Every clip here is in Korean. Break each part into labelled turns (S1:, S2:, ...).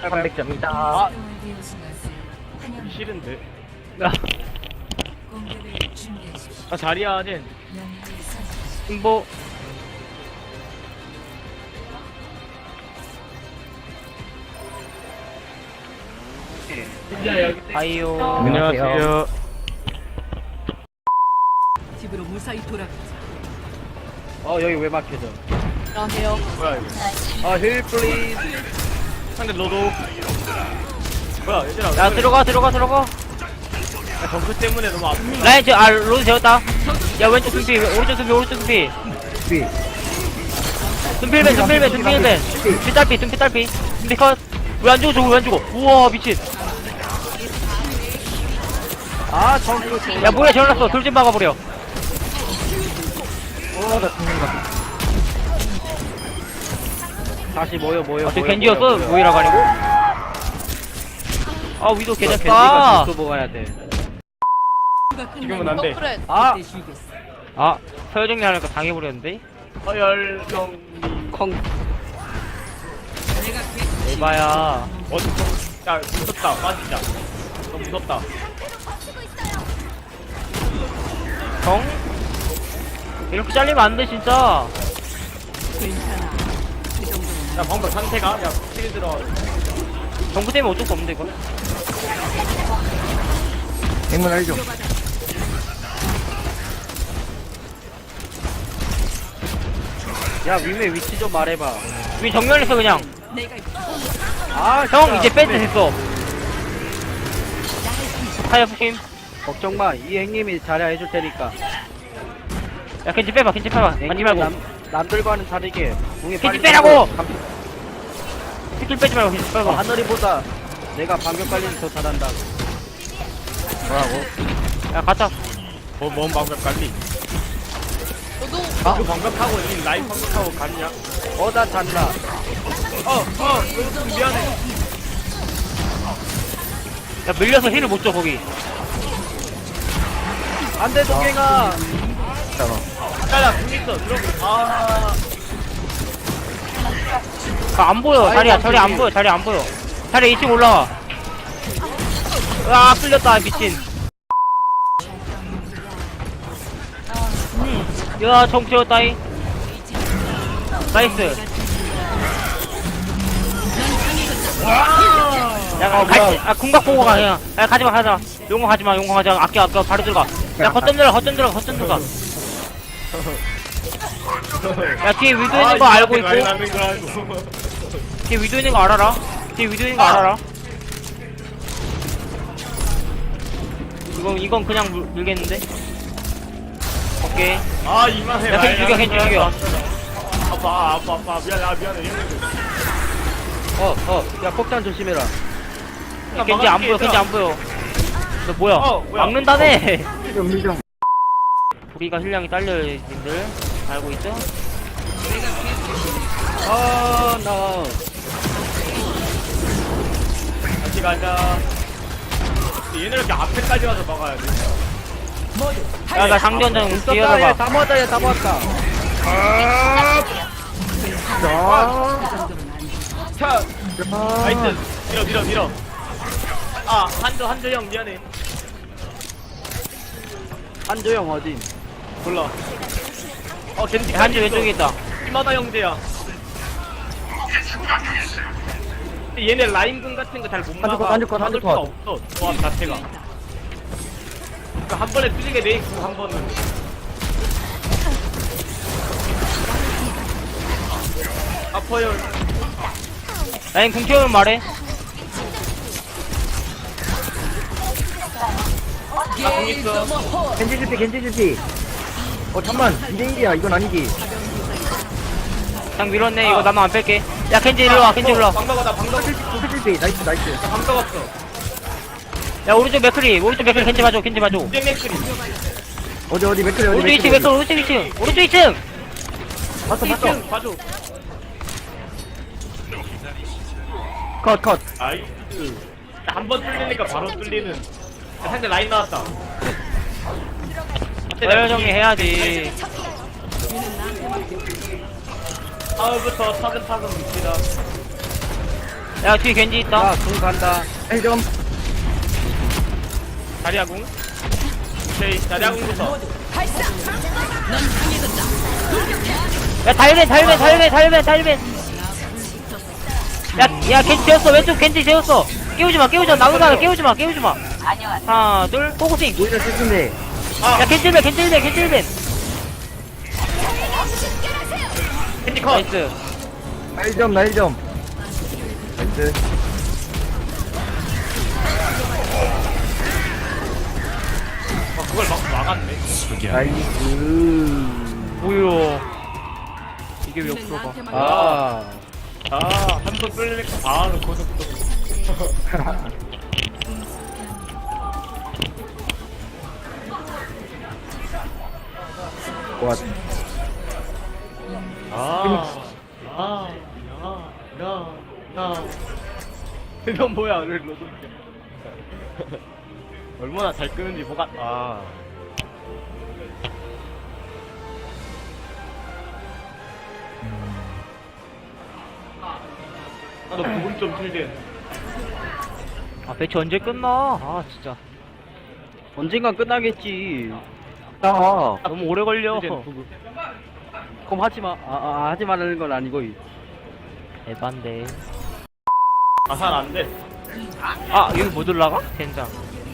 S1: 300점이다.
S2: 아 싫은데. 아 자리야 젠.
S1: 승보. 아이요.
S2: 안녕하세요.
S3: 집으로 무사히 돌아가자.
S1: 여기 왜 막혀져?
S3: 안녕하세요.
S2: 뭐야 이거.
S1: 힐 플리즈.
S2: 상대 너도. 뭐야 얘들아.
S4: 야 들어가.
S2: 야, 점프 때문에 너무 아프다.
S4: 라인 로드 재웠다. 야 왼쪽 순피 오른쪽 순피.
S1: 비.
S4: 순필맨. 순피 딸피. 순피 컷. 왜 안 죽어? 우와 미친.
S1: 정크.
S4: 야 뭐야 재워놨어. 돌 좀 막아버려.
S1: 나 죽는다. 다시 모여.
S4: 저 겐지였어? 모이라고 아니고? 아 위도
S1: 겐지가
S4: 개잡다.
S1: 또 먹어야 돼.
S2: 지금은 안 돼.
S4: 서열 정리하니까 당해버렸는데?
S2: 서열정리.
S1: 콩.
S4: 에바야.
S2: 야 무섭다. 빠지자. 너무 무섭다.
S4: 정? 이렇게 잘리면 안 돼 진짜.
S3: 괜찮아. 그 정도는
S2: 야 방금 상태가 야 필 들어.
S4: 정부 때문에 어쩔 수 없는데 이거.
S1: 행문 알죠? 야 위메 위치 좀 말해봐.
S4: 우리 정면에서 그냥.
S3: 내가
S4: 형 이제 밴드 됐어. 타이어 푸심.
S1: 걱정 마. 이 행님이 잘해 해줄 테니까.
S4: 야 겐지 빼봐. 맞지 말고.
S1: 남들과는 다르게 공이
S4: 겐지
S1: 빨리
S4: 빼라고!
S1: 감-
S4: 스킬 빼지 말고 겐지 빼봐.
S1: 하늘이보다 내가 방벽 관리를 더 잘한다. 뭐라고?
S4: 야 가자.
S2: 뭔 방벽 관리? 그 방벽하고 이 라인 방벽하고 갔냐?
S1: 나 잔다.
S2: 미안해.
S4: 야 밀려서 힐을 못 줘 거기.
S1: 안돼 동행아.
S2: 야야 궁 있어. 들어가.
S4: 안 보여. 자리야 자리 안 보여. 자리 2층 올라와. 끌렸다 미친. 야 정치였다이. 나이스. 야 궁각 보고 가 그냥. 야 가지마. 용공 가지마. 아껴 바로 들어가. 야 거점 들어가. 야 뒤에 위도 있는 거 알고 있고. 뒤에 위도 있는 거 알아라. 이건 그냥 물겠는데. 오케이.
S2: 이만해.
S4: 야, 겐지 죽여.
S2: 아파. 미안해.
S1: 야 폭탄 조심해라.
S4: 야, 겐지 안 보여. 너 뭐야?
S2: 뭐야?
S4: 막는다네.
S1: mil정.
S4: 우리가 힐량이 딸려요, 님들. 알고 있죠?
S1: 나.
S2: 같이 가자. 얘네 이렇게 앞에까지 가서 막아야 돼.
S4: 야, 나 장전장 뛰어가봐.
S1: 다 모았다.
S2: 차. 나이스. 밀어. 한조 형 미안해.
S1: 한조영 어딘?
S2: 몰라. 겐지
S4: 한지 왼쪽에 있다.
S2: 이마다 형제야. 근데 얘네 라인군 같은 거 잘 못 막아.
S1: 한조 컷.
S2: 막을 수가 없어. 조합 자체가. 그러니까 한 번에 뚫리게 돼 있고 한 번은. 아파요.
S4: 라인 궁 튀우면 말해.
S2: 나공 있어.
S1: 겐지 실패. 잠만. 2대1이야. 이건 아니지.
S4: 그냥 밀었네. 이거 나만 안 뺄게. 야, 겐지 일로 와.
S2: 방금
S1: 실패. 나이스.
S2: 방금 없어.
S4: 야, 오른쪽 맥크리 겐지 봐줘.
S2: 맥크리.
S1: 어디 맥클리
S4: 오른쪽 2층.
S1: 봤어.
S2: 1층 봐줘.
S1: 컷.
S2: 아이스. 한 번 뚫리니까 바로 뚫리는. 상대 라인 나왔다.
S4: 서열 정리해야지.
S2: 다음부터 차근차근 밉니다.
S4: 야 뒤에 겐지 있다.
S1: 야궁 간다.
S5: 좀
S2: 자리아궁. 오케이, 자리아궁부터.
S4: 야 달벤. 야 겐지 재웠어. 왼쪽 겐지 재웠어. 깨우지마 나무가 깨우지마. 하나 둘 포커싱.
S5: 오히려 슬픈데.
S2: 아,
S4: 야 겐지 1벤.
S2: 캔디 컷.
S4: 나이스.
S5: 날 좀. 나이스.
S2: 그걸 막았네.
S5: 나이스.
S4: 뭐야 이게 왜 옆으로 가.
S1: 아.
S2: 한 번 쏠리니까 바로 고속도.
S5: 와,
S2: 이건 뭐야, 로드. 얼마나 잘 끄는지 뭐가, 나도 부금 좀 틀게.
S4: 아 배치 언제 끝나. 아 진짜
S1: 언젠간 끝나겠지.
S5: 아,
S4: 너무 오래 걸려.
S2: 이제 부금.
S1: 그럼 하지마. 하지 말라는 건 아니고.
S4: 에반데.
S2: 잘 안 돼.
S4: 아 여기 못 올라가? 젠장.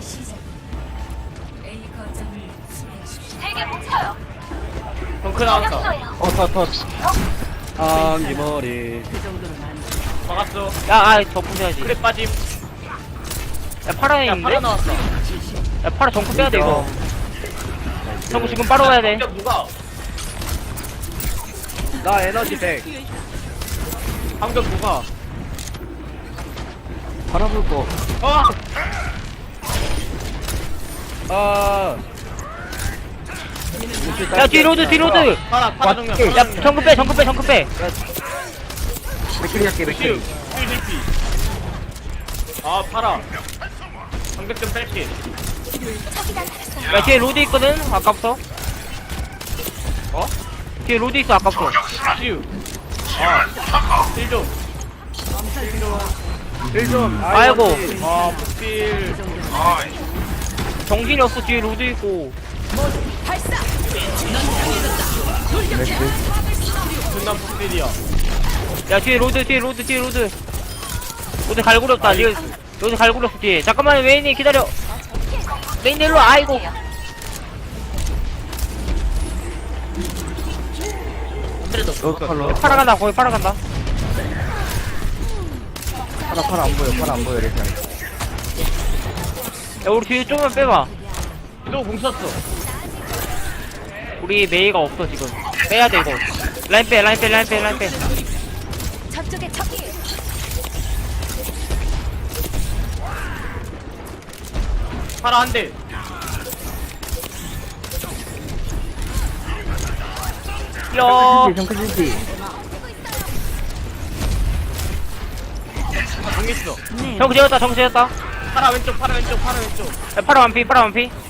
S2: 덩크 나왔어.
S5: 터.
S1: 안기머리.
S3: 그 정도는 안 돼.
S2: 막았어.
S4: 야 저 부셔야지.
S2: 그래 빠짐.
S4: 야 파라에
S2: 야,
S4: 있는데?
S2: 팔아 나왔어.
S4: 야 파라 정크 빼야 돼 이거. 정크 지금 바로 가야 돼.
S2: 누가?
S1: 나 에너지 100.
S2: 방금 누가?
S5: 바라볼 거.
S1: 아.
S4: 야 뒤 로드.
S2: 파라 정면.
S5: 맞게.
S4: 야 정크 빼.
S5: 맥클리 할게,
S2: 슈.
S5: 맥클리.
S2: 슈 파라. 방금 좀 뺄게.
S4: 야 뒤에 로드 있거든. 아까부터. 뒤에 로드 있어 아까부터.
S2: 슈. 힐 좀.
S1: 1점.
S4: 아이고.
S2: 폭딜.
S4: 정신이 없어. 뒤에 로드 있고.
S2: 존나 폭딜이야.
S4: 야 뒤에 로드. 로드 갈구렸다. 로드 갈구렸어 뒤에. 잠깐만 웨인이 기다려. 웨인 일로 와. 아이고. 파라 간다. 거기 파라 간다.
S5: 파라 안 보여, 이렇게.
S4: 야 우리 뒤에 좀만 빼봐.
S2: 너공 쐈어.
S4: 우리 메이가 없어 지금. 빼야 돼 이거. 라인 빼.
S6: 저쪽에 적이
S2: 파라 한 대.
S4: 야.
S5: 정크진지.
S2: 공 있어.
S4: 정크 재웠다.
S2: 파라 왼쪽.
S4: 야 파라 완피.
S5: 파라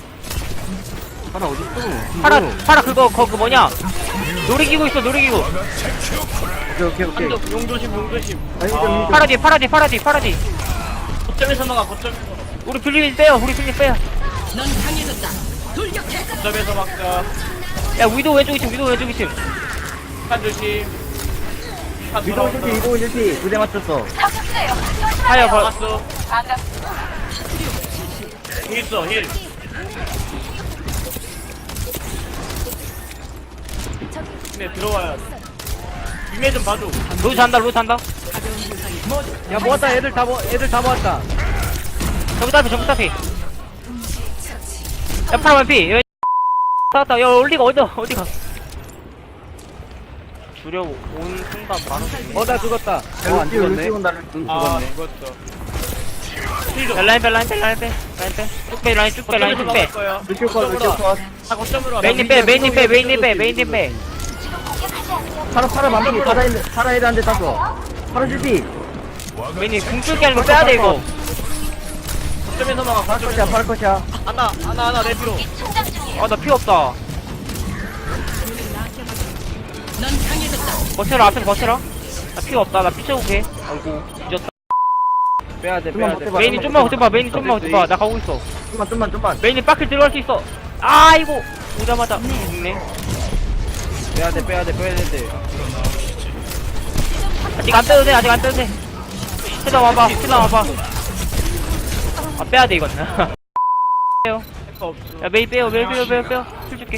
S5: 어딨어?
S4: 파라 그거 뭐냐? 놀이기구 있어.
S5: 오케이.
S2: 한쪽 용 조심.
S5: 아니, 좀
S4: 파라 뒤.
S2: 거점에서 막아.
S4: 우리 필립 빼요.
S3: 넌 강해졌다. 돌격해.
S2: 거점에서 막자.
S4: 야 위도 왼쪽 2층.
S2: 한 조심. 한
S5: 위도
S2: 돌아온다.
S5: 실티, 2대 맞췄어.
S4: 하여
S2: 막았어. 공 있어. 힐. 네, 들어와야 돼. 위에 좀 봐줘.
S4: 로드 잔다.
S1: 야 모았다. 애들 다 모았다.
S4: 정크 따피. 야 파라 완피. 나왔다. 야 올리가 어디가? 주려 온 순간 바로.
S1: 나 죽었다. 안
S5: 루시
S1: 죽었네.
S5: 온다.
S1: 응,
S2: 아,
S1: 죽었네.
S2: 죽었어.
S4: 야 라인 빼. 쭉 빼. 라인 쭉 빼.
S2: 거야.
S5: 루시 컷.
S2: 다 거점으로 와.
S4: 메인님 빼.
S5: 파라 만피, 파라 애들한테 땄어. 파라 실티.
S4: 메인님 궁풀기 하는 거 빼야 돼 이거.
S2: 거점에서 막아.
S5: 파라 컷이야.
S2: 하나, 내 뒤로.
S4: 아 나 피 없다.
S3: 넌 강해졌다.
S4: 버텨라. 앞에서 버텨라. 나 피가 없다. 나 피 채우게. 아이고 늦었다.
S1: 빼야돼
S5: 좀만
S1: 빼야돼
S5: 버텨봐.
S4: 메인이 좀만 버텨봐. 메인이 좀만 버텨봐. 나 가고 있어.
S5: 좀만.
S4: 메인이 빠킬 들어갈 수 있어. 아이고 오자마자 죽네.
S1: 빼야돼 빼야돼
S4: 아직 안 빼도 돼. 아직 안 빼도 돼. 실라 와봐. 실라 와봐. 아 빼야 돼 이건. 빼요.
S2: 할거 없어.
S4: 야 메이 빼요. 메이 빼요. 메이 빼요. 술 줄게.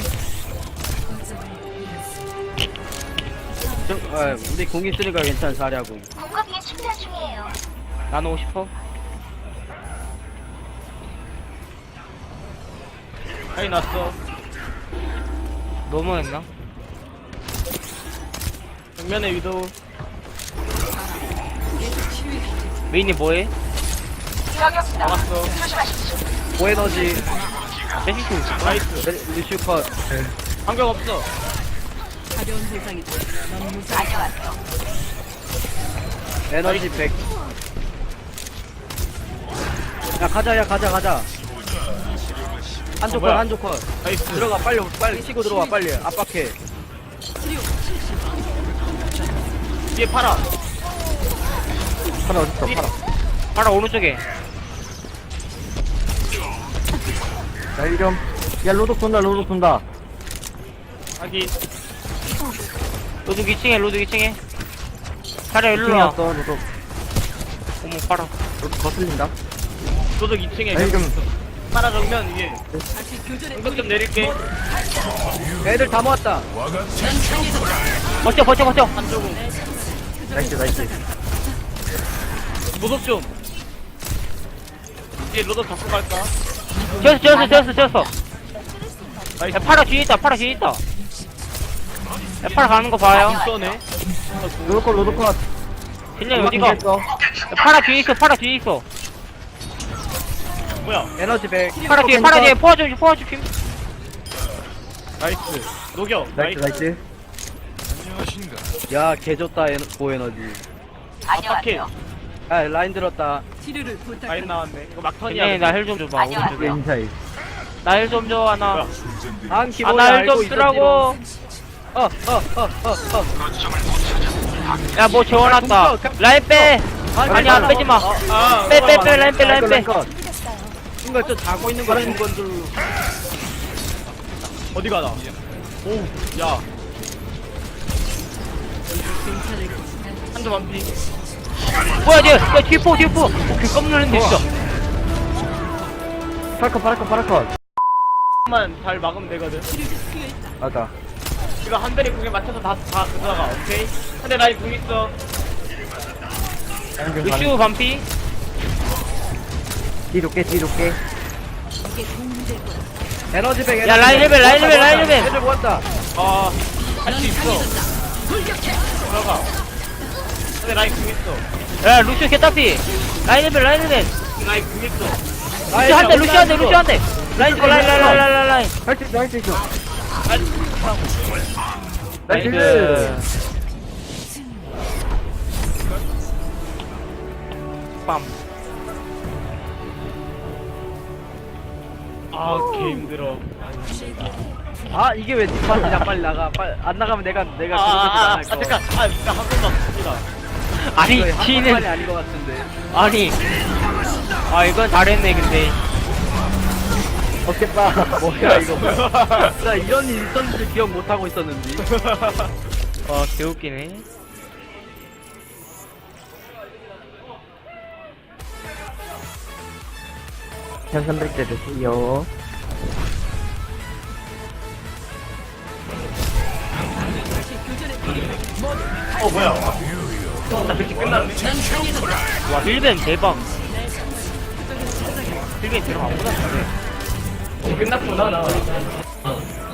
S1: 우리 공 있으니까 괜찮아 자리하고.
S6: 공급기 충전 중이에요.
S4: 나누고 싶어.
S2: 아니 났어.
S4: 너무했나?
S2: 정면에 위도우.
S4: 메인이 뭐해?
S2: 나왔어.
S1: 고에너지
S4: 세시큐.
S2: 나이스.
S1: 루슈 컷.
S2: 반격 없어.
S3: 가벼운 세상이다. 넌 무사히
S1: 에너지 100. 야 가자. 한쪽 컷
S2: 뭐야?
S1: 한쪽 컷.
S2: 나이스.
S1: 들어가 빨리 치고 들어와 빨리 압박해.
S2: 뒤에 팔아.
S5: 파라 어딨어, 파라.
S4: 하나 오른쪽에.
S5: 나 이름. 야, 로독 돈다.
S2: 아기.
S4: 로드 2층에 로드 2층에. 차려 일로 와.
S5: 킹이었어, 로독.
S4: 어머 빨아.
S5: 로독 거슬린다.
S2: 도적 2층에.
S5: 나 이름.
S2: 팔아 정면 위에.
S3: 다시 교전에
S2: 공격 좀 내릴게.
S1: 애들 다 모았다.
S4: 버텨.
S2: 한쪽은.
S5: 나이스.
S2: 도적 좀. 뒤에 로더 잡고 갈까?
S4: 지었어.
S2: 나이스.
S4: 야 파라 뒤에 있다. 야 파라 가는 거 봐요.
S2: 쏘네.
S5: 로독 컷.
S4: 진영이 어디가? 야, 파라 뒤에 있어.
S2: 뭐야?
S1: 에너지 100.
S4: 파라 뒤에 포화주 킴.
S2: 나이스. 녹여.
S5: 나이스.
S1: 야 개좋다 고에너지.
S2: 압박해.
S1: 야 라인 들었다.
S3: 치료를
S2: 라인
S3: 부탁한다.
S2: 나왔네. 이거 막턴이야.
S4: 진영이 나 헬 좀 줘봐. 오른쪽에.
S5: 인사이.
S4: 나 헬 좀 줘 하나.
S2: 뭐야?
S1: 한 기본이
S4: 나 헬
S1: 알고
S4: 좀 쓰라고. 야 뭐 재워놨다. 라인 빼. 아니 안 빼지 마.
S2: 아,
S4: 빼 라인 빼.
S1: 이거 저 자고 있는 거 죽은 건줄.
S2: 어디 가나? 오, 야. 한조 반피.
S4: 뭐야 쟤? 야 뒤포. 오케이 깜 놀랐네 진짜.
S5: 파라컷.
S2: 만 잘 막으면 되거든.
S5: 맞아.
S2: 이거 한 대리 궁에 맞춰서 다 들어가. 오케이. 한대 라인 궁 있어.
S4: 루시우 반피.
S5: 뒤롭게.
S1: 에너지 100.
S4: 야 라인 레벨.
S1: 애들 모았다.
S2: 할 수 있어. 들어가. 한대 라인 궁 있어.
S4: 야 루시우 개따피. 라인 레벨.
S2: 라인 궁 있어.
S4: 루시우 한 대. 라인 찍어 라인.
S5: 할 수 있어.
S4: 나이스. 빰.
S2: 개 힘들어.
S1: 아 이게 왜 뒷판이냐 빨리 나가. 빨리 안 나가면 내가 그러지 않을 거.
S2: 잠깐. 나한 번도 없습니다.
S4: 아니
S1: 이거 한번만이
S4: 지는
S1: 아닌 것 같은데.
S4: 아니. 아 이건 잘했네 근데.
S5: 없겠다.
S1: 뭐야 이거. 나 이런 일 있었는지 기억 못 하고 있었는지.
S4: 와 개웃기네.
S5: 현선백대 드세요.
S2: 뭐야? 나 그렇게 끝났네.
S4: 와 힐벤 대박. 힐벤 대박 아무나 잘해.
S2: 끝났구나 나.